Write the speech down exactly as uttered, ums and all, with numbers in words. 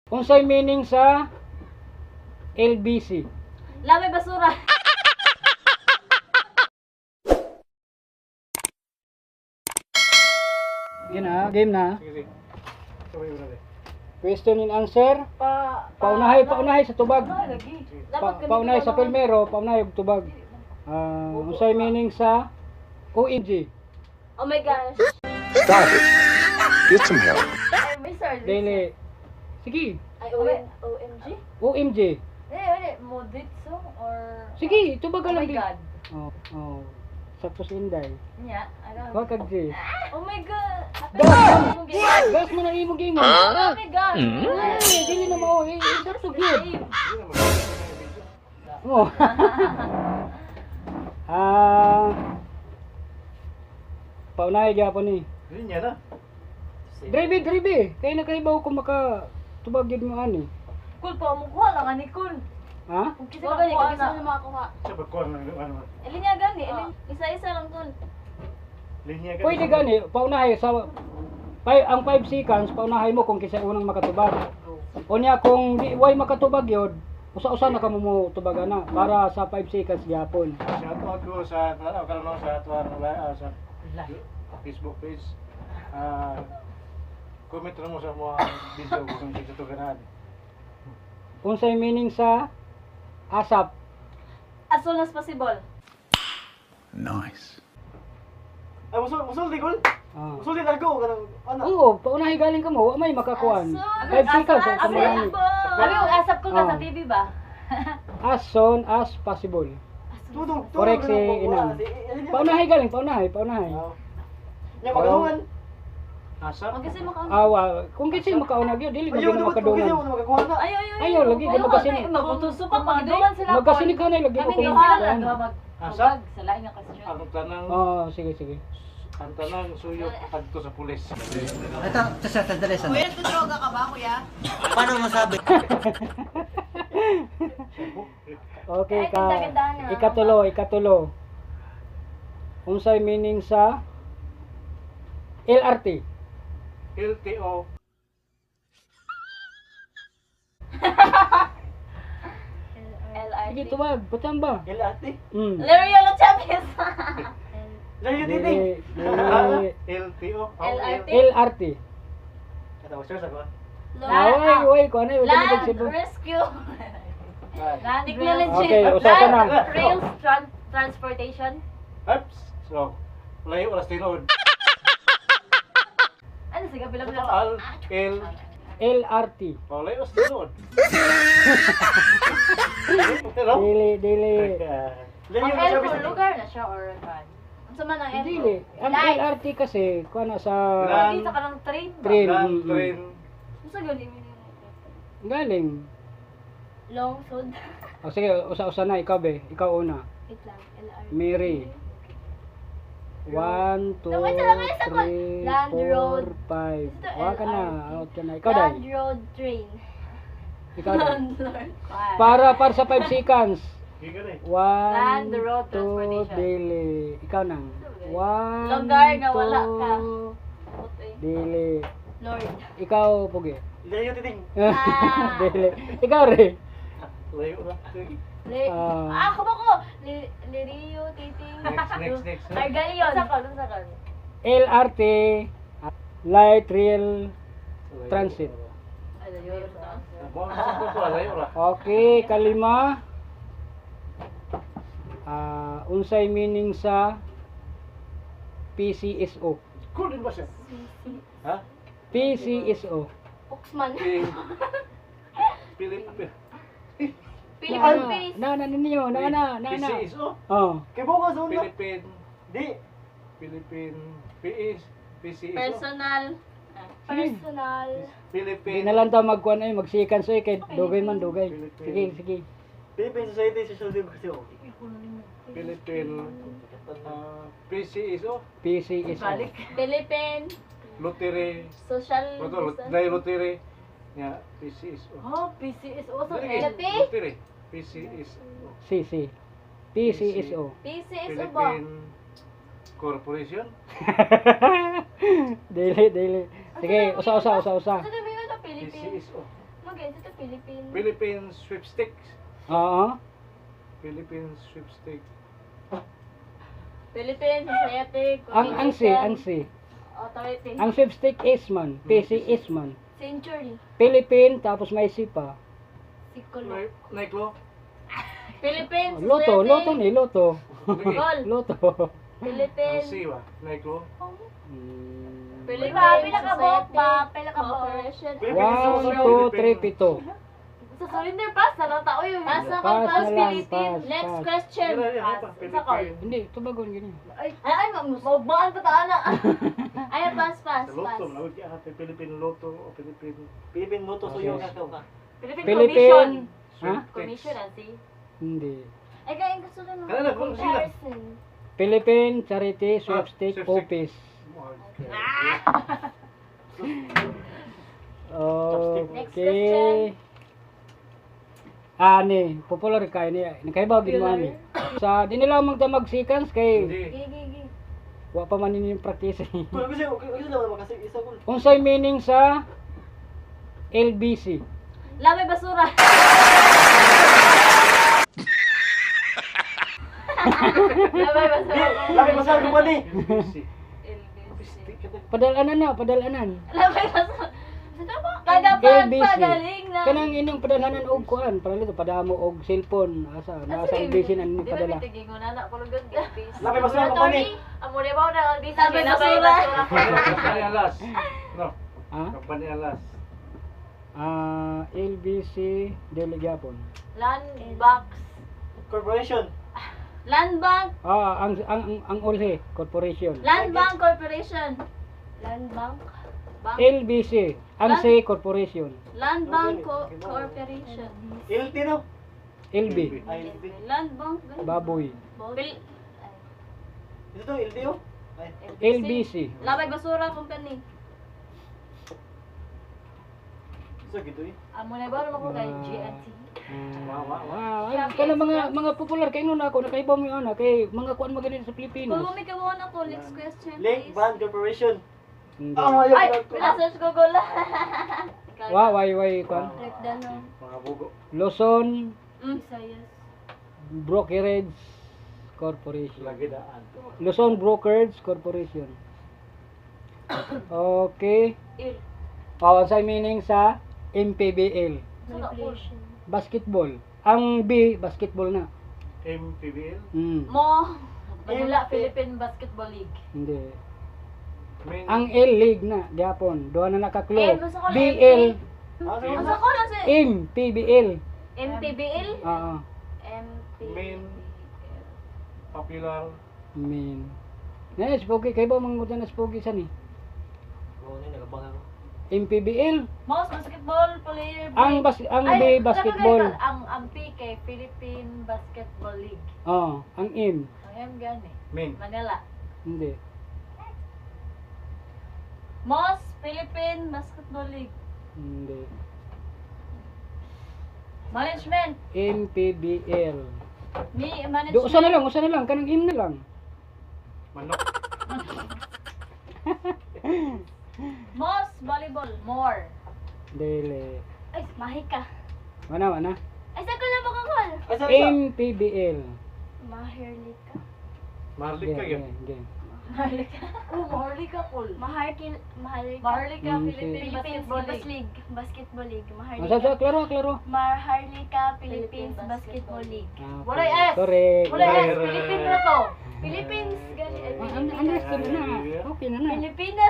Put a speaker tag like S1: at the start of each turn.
S1: Unsay meaning sa L B C?
S2: Lamay basura.
S1: Game na, game na.
S3: Sige, sige. Sabay mo na rin.
S1: Question and answer.
S2: Pa,
S1: Paunahay, paunahay sa tubag.
S2: Ano lagi?
S1: Pa, paunahay sa pelmero, paunahay og tubag. Ah, unsay meaning sa O M G?
S2: Oh my gosh.
S4: Stop it. Get some help.
S2: Ay, may sorry.
S1: Dili. Sige,
S2: Ay, O M G?
S1: O M G.
S2: Eh, wala. Moditso or...
S1: Sige, tubag
S2: Oh
S1: ka lang.
S2: my
S1: di.
S2: God.
S1: Oh, oh. Saktos inday.
S2: Nya, ano?
S1: Wa kag G.
S2: Oh my God.
S1: Gas!
S2: Gas!
S1: Gas mo na imo game.
S2: Oh my God.
S1: Ay, dili na mao eh. Sakto gyud.
S3: Hindi na magkakaroon ng video.
S1: Oh. Ah. Paunahay gyapon ni.
S3: Hindi niya na.
S1: Drive, drive. Kaya na kaibaw ko maka tubag yun mo ani.
S2: Cool po, mukha lang ani cool.
S1: Ha?
S2: Kung kasi makuha na. Kung makakuha.
S3: Siya pagkuhan lang yung ano.
S2: Elinya gani, elin. Isa-isa lang cool.
S3: Linya ka.
S1: Pwede gani, paunahay sa pay, ang five seconds paunahay mo kung kinsa unang makatubag. Unya kung di way makatubag yun, usa-usa na kamo mo tubagan na para sa five seconds gyapon.
S3: Shout out ko sa ano karon no sa tuwan uh, sa Facebook page. Ah comment lang mo sa mga video kung hindi ito ganahan.
S1: Unsay meaning sa asap?
S2: As soon as possible.
S4: Nice.
S3: Ay musul musul di gol.
S1: Ah.
S3: Musul di largo kanang ano.
S1: Oo, paunahay galing ka mo, wa may makakuan. five seconds sa
S2: Abi,
S1: kumulani.
S2: abi, asap ko ka
S1: Ah.
S2: sa T V ba?
S1: As soon as possible.
S3: Tudong.
S1: Correct si Inang. Paunahay galing, paunahay, paunahay.
S3: Nya magadungan. Asa?
S2: Mag kasi makaon.
S1: Awa, kung kinsa makaunag yun, dili
S3: Ayaw
S1: mo
S3: na
S1: makadungan.
S3: mo makakuha na.
S2: Ay, ay, ay.
S1: Ayaw, lagi ka magkasini.
S2: Magutuso ka pag doon sila.
S1: Magkasinig ka na, lagi ko
S2: Kami
S1: kung
S2: gawa
S1: kuan.
S2: lang mag
S3: Asa?
S2: tubag sa lain nga question.
S3: Ang tanang
S1: Oo, sige, sige.
S3: ang tanang suyo kadto sa pulis.
S5: Ito, ito sa tadali sa...
S6: Kuya, nagdodroga ka ba, kuya?
S5: Paano masabi?
S1: Okay
S2: Ay,
S1: ka.
S2: ganda-ganda na.
S1: Ikatulo, ikatulo. Unsay meaning sa L R T?
S3: L T O.
S2: L I
S1: Sige,
S2: T.
S1: tubag. Patang ba?
S3: L R T.
S1: Hmm.
S2: Lerio lo Chavez.
S3: Layo
S1: Dili,
S3: dili.
S1: dili.
S3: L T O.
S2: L R T.
S1: L R T.
S3: Katawa siya sa ko.
S1: Away, away ko ano yung
S2: Land
S1: dami Cebu.
S2: Rescue. Land Technology.
S1: Okay, usapan na.
S2: Rails tran- Transportation.
S3: Ups. So, layo oras tinod.
S2: Ano sige, bilang bilang.
S3: Al L
S1: L R T.
S3: Oh, layo oras tinod. Pero
S1: Dili, dili.
S3: layo
S2: Ang
S3: na
S2: L
S3: siya
S2: kung
S3: bisig.
S2: lugar na siya or van. Ang sama ng L.
S1: Dili. Ang
S2: Light.
S1: L R T kasi, kuha na sa
S3: Land.
S2: Dito ka ng train ba?
S1: Train.
S3: Land,
S1: Mm-mm.
S3: train.
S2: Ano sa galing?
S1: galing.
S2: Long food.
S1: O sige, usa-usa na. Ikaw be. Ikaw una.
S2: Wait lang. L R T.
S1: Mary. One, two,
S2: Wait, lang, isa ko.
S1: three,
S2: Land,
S1: four,
S2: road.
S1: five.
S2: Ito,
S1: Wala ka na.
S2: L R T.
S1: Out ka na. Ikaw
S2: Land
S1: dahil.
S2: road train.
S1: Ikaw dahil.
S2: Landlord.
S1: Para, para sa five seconds.
S3: Giga na eh.
S1: One,
S2: Land, road,
S1: two,
S2: transportation.
S1: dili. Ikaw nang. One,
S2: Lugar na wala ka.
S1: two,
S2: Okay.
S1: dili.
S2: Lord.
S1: Ikaw, Pugi.
S3: Layo titing.
S2: Ah.
S1: dili. Ikaw rin.
S3: Layo na.
S2: Le
S1: Ah.
S2: ah, ako ba ko? Li Lirio, Titing.
S3: Next, next, next.
S2: Argalion. Sa ka, sa ka.
S1: L R T, Light Rail Transit.
S2: Ay, yun.
S3: Buwan sa ko ko layo ra.
S1: Okay, kalima. Ah, unsay meaning sa P C S O?
S3: Cool din ba siya? Ha?
S1: P C S O.
S2: Oxman.
S3: Ping. Pilip.
S2: Philippines.
S1: Na, na, na, ninyo, na, na, na, na.
S3: P C S O.
S1: Oh.
S3: Kay bukas sa una. Philippine. Di. Philippine. P S. P C S O.
S2: Personal. Personal.
S3: Philippine.
S1: Di na lang tayo magkuhan ay magsikan so kay dugay man dugay. Sige, sige.
S3: Philippine Society Social Democracy. Philippine. Uh, P C S O.
S1: P C S O.
S2: Philippine.
S3: Lottery.
S2: Social.
S3: Betul, dari lottery. Ya, P C S O.
S2: Oh, P C S O sa
S3: Lagi,
S2: L P.
S3: Lottery. P C S O.
S1: C C. P C S O.
S2: P C S O ba?
S3: Philippine Corporation.
S1: Dili, dili. Sige, usa, usa, usa, usa.
S2: Ano ba yun sa
S3: P C
S2: Philippines?
S3: S O.
S2: Okay, ito Philippine.
S3: Philippines sweepstakes.
S1: Oo.
S3: Philippines sweepstakes.
S2: Philippine Society.
S1: Ang ang si, ang si.
S2: Authority.
S1: Ang sweepstake is man, P C is man.
S2: Century.
S1: Philippine tapos may si pa.
S2: Sikolo.
S3: Nay- Naiklo.
S2: Philippine Society.
S1: Loto, loto ni loto.
S2: Gol.
S1: Loto.
S3: Ang
S2: Philippine.
S3: C ba? Naiklo.
S1: Hmm.
S2: Philippine
S6: Ba, pinakabot
S2: Society.
S6: ba? Pinakabot.
S2: Corporation.
S1: One, two, three, pito.
S6: Sa surrender pass, sana tao yun.
S2: Pass na
S1: Pass
S2: pass,
S1: na lang,
S2: Philippine.
S1: pass,
S2: Next
S1: pass.
S2: question.
S3: Yan, yan,
S2: Pass.
S3: pa,
S2: Sa call.
S3: Philippine.
S1: Hindi, tubagon gini.
S6: Ay, ay, maugmaan pa taan na.
S2: Ay, pass, pass,
S3: Sa Lotto,
S2: pass.
S3: nawag ka ate Philippine Lotto o Philippine
S5: Philippine Moto Suyo
S1: Okay.
S5: ka ka.
S6: Philippine
S1: Philippine. Ha?
S3: sweepstakes.
S6: Commission, Ansi.
S1: Hindi.
S2: Ay, kaya yung gusto lang.
S3: Kaya na, kung sila.
S2: Comparison.
S1: Philippine Charity Sweepstake
S3: sweepstake.
S1: Office.
S2: Next
S1: Okay. Ani, popular kay ni. Nakaibaw gid mo ani. Sa di nila magdamag seconds kay
S3: Hindi.
S2: Gigi, gigi.
S1: wa pa man ini practice.
S5: Kung gusto gusto naman makasig isa ko.
S1: Unsay meaning sa L B C?
S6: Lamay basura. Lamay basura.
S5: Laki masal ko ba ni?
S3: Busy.
S1: Padalanan na, padalanan.
S6: Lamay basura.
S2: Kada
S1: L B C.
S2: pagpagaling na.
S1: Kanang inyong padalanan og kuan, para nito padamo og cellphone asa nasa L B C na ni
S6: Di ba
S1: padala.
S6: bitigin anak ko lugod Elvis?
S5: Laki basura ko ba ni?
S6: Amo na ba na Elvis?
S2: Lamay
S6: Lamay
S2: basura.
S3: Kampanya Alas. No,
S1: Ha?
S3: Kampanya Alas.
S1: Ah, L B C Dili Japon.
S6: Land box.
S5: Corporation.
S2: Land Bank.
S1: Ah, ang ang ang, ang Olhe Corporation.
S2: Land Bank Corporation. Land Bank.
S6: Bank.
S1: L B C, ang C Corporation.
S2: Land Bank Co- Corporation.
S5: L T no?
S1: L B,
S5: Ay, L T.
S2: Land Bank.
S1: baboy.
S6: Pil-
S5: Ito to L T oh. Ay.
S1: L B C.
S2: Lamay Basura Company.
S5: So gitu eh.
S6: Amo na ba naman ko kay G N T?
S3: Wa wa wa.
S1: Wow, ay, kana mga mga popular kay na ako nakaibaw mo ana kay mga kuan magani sa
S2: Kung
S1: Pilipinas.
S2: bumikawan ako, next question
S5: Link
S2: please.
S5: Band Corporation.
S1: Hindi.
S2: Ay, pinasearch Google.
S1: Wow, way way kuan.
S2: Breakdown ng
S3: Mga bugo.
S1: Luzon
S2: Visayas.
S1: Brokerage Corporation.
S3: Lagi daan.
S1: Luzon Brokerage Corporation. Okay.
S6: Il.
S1: Oh, sa meaning sa M P B L.
S2: Manipulation.
S1: Basketball. Ang B, basketball na.
S3: M P B L.
S1: Hmm,
S6: Mo. Manila Philippine Basketball League.
S1: hindi.
S3: Main.
S1: Ang L League na, Japon. Doon na nakaklo.
S2: M, basta ko
S1: B
S2: M P.
S1: L,
S5: Ah, so,
S2: Asa ko na si
S1: M, P B L.
S2: M P B L?
S1: Oo,
S2: M P B L.
S3: Main. Popular.
S1: min. Na, spogi. Kayo ba mga na spogi sa ni?
S5: Oo, na nagabang ako.
S1: M P B L.
S6: Most basketball player.
S1: Ang bas ang B, basketball.
S6: Ang ang P kay Philippine Basketball League.
S1: Oo, ang M.
S6: Ang M gani.
S3: Main.
S6: Manila.
S1: Hindi.
S6: Most Philippine Basketball League.
S1: Hindi.
S6: Management.
S1: M P B L.
S6: Me
S1: Do,
S6: management.
S1: usa na lang, usa na lang. Kanang M na lang.
S3: Manok.
S6: Most volleyball. More.
S1: Dele.
S2: Ay, mahika.
S1: Mana, mana?
S2: Ay, saan ko lang makakol?
S5: Ay, sa isa.
S1: M P B L.
S2: Maharlika.
S3: Marlik ka
S1: Game,
S3: yun.
S1: game, game.
S6: Maharlika. Oh, Maharlika cool.
S2: Maharkin, Maharlika.
S6: Maharlika
S1: Mm,
S6: Philippine
S2: Philippines
S6: Basketball
S2: Bas
S6: League.
S2: League. Basketball League.
S1: Masa
S2: Maharlika.
S1: sa klaro, klaro.
S2: Maharlika Philippines
S6: Philippine
S2: Basketball League.
S1: Ah,
S6: Wala
S1: okay.
S6: S.
S1: Correct.
S6: Wala
S1: Correct.
S6: yes, Philippine na to.
S2: Philippines, gani.
S1: Ah, ang- understood na. Okay na na.
S2: Pilipinas.